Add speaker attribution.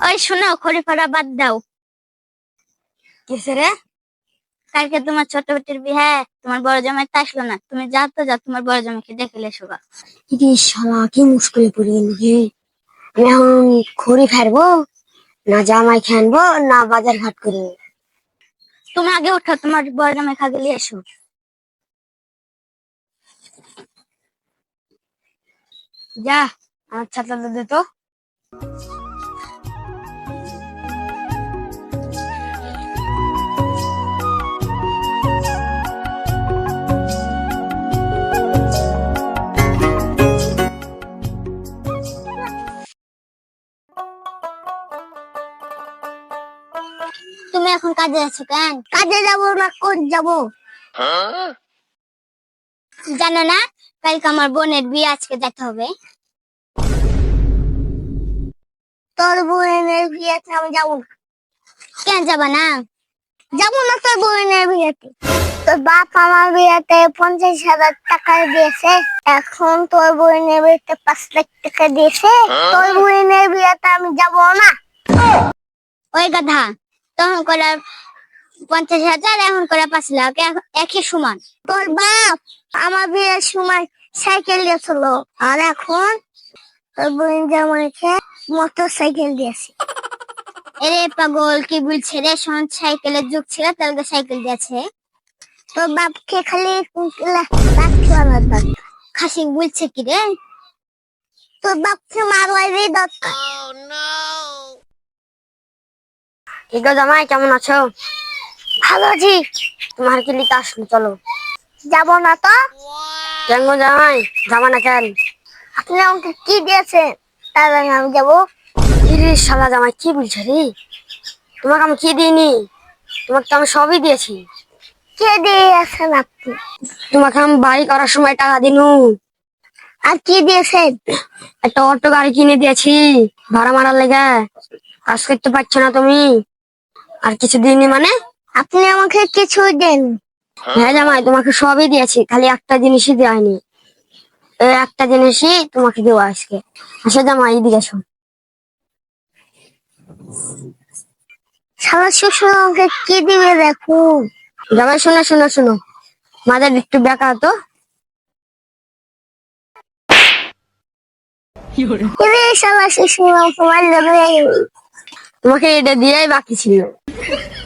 Speaker 1: ওই শোনো, খড়ি ফড়া বাদ দাও।
Speaker 2: কিসে রে?
Speaker 1: কালকে তোমার ছোট বেটির বিয়ে, তোমার বড় জামাই তো আসলো না। তুমি যাও তো, যাও তোমার বড় জামাইকে দেখে এসো গা।
Speaker 2: কি শালা, কি মুশকিলে পড়ে গেলি রে। আমি এখন খড়ি ফেরবো, না জামাই খানবো, না বাজার ঘাট করবো?
Speaker 1: তুমি আগে ওঠো, তোমার বড় জামাই খাগে নিয়ে এসো।
Speaker 2: যা, আমার ছাতাটা দে তো।
Speaker 1: তুমি এখন কাজে আছো কেন? কাজে যাবো না কোন যাবো জানো না? কালকে আমার বোনের বিয়ে, আজকে যেতে হবে।
Speaker 2: তোর বোনের বিয়েতে আমি যাবো না।
Speaker 1: কেন যাবা না?
Speaker 2: যাবো না তোর বোনের বিয়েতে। তোর বাপ আমার বিয়েতে 50,000 টাকা দিয়েছে, এখন তোর বোনের বিয়েতে 5 লাখ টাকা দিয়েছে। তোর বোনের বিয়েতে আমি যাবো না।
Speaker 1: ওই গাধা, তখন করে 50,000, এখন করে 5 লাখ, একই সমান।
Speaker 2: তোর বাপ আমার বিয়ের সময় সাইকেল দিয়েছিল, আর এখন তোর বোন জামাইকে মোটর সাইকেল দিয়েছে।
Speaker 1: এরে পাগল, কি বলছে রে? শোন, সাইকেলের যুগ ছিল, তাহলে সাইকেল দিয়েছে।
Speaker 2: তোর বাপকে খালি লাঠি আনার দরকার।
Speaker 1: খাসি বলছে কি রে?
Speaker 2: তোর বাপকে মারবারই দরকার। কি গো জামাই, কেমন আছো? ভালো আছি। তোমার কি লিতে আসলো, চলো। যাবো না তো। কেন গো জামাই, যাবো না কেন? আপনি আমাকে কি দিয়েছেন, তার আমি যাবো? ইরে শালা জামাই, কি বলছো রে? তোমাকে আমি কি দিইনি? তোমাকে তো আমি সবই দিয়েছি। কে দিয়েছেন আপনি? তোমাকে আমি বাড়ি করার সময় টাকা দিনু। আর কি দিয়েছেন? একটা অটো গাড়ি কিনে দিয়েছি, ভাড়া মারার লেগে। কাজ করতে পারছো না তুমি। আর কিছু দিইনি মানে? আপনি আমাকে কিছু দেন। হ্যাঁ জামাই, তোমাকে সবই দিয়েছি, খালি একটা জিনিসই দেয়নি। এই একটা জিনিসই তোমাকে দেওয়া আজকে। আসো জামাই, এদিকে আসো। শালা শ্বশুর আমাকে কি দিবে দেখো। জামাই শোনো শোনো শোনো, মাথার একটু বেঁকা তো। শালা শ্বশুর তোমাকে এটা দিয়েই বাকি ছিল।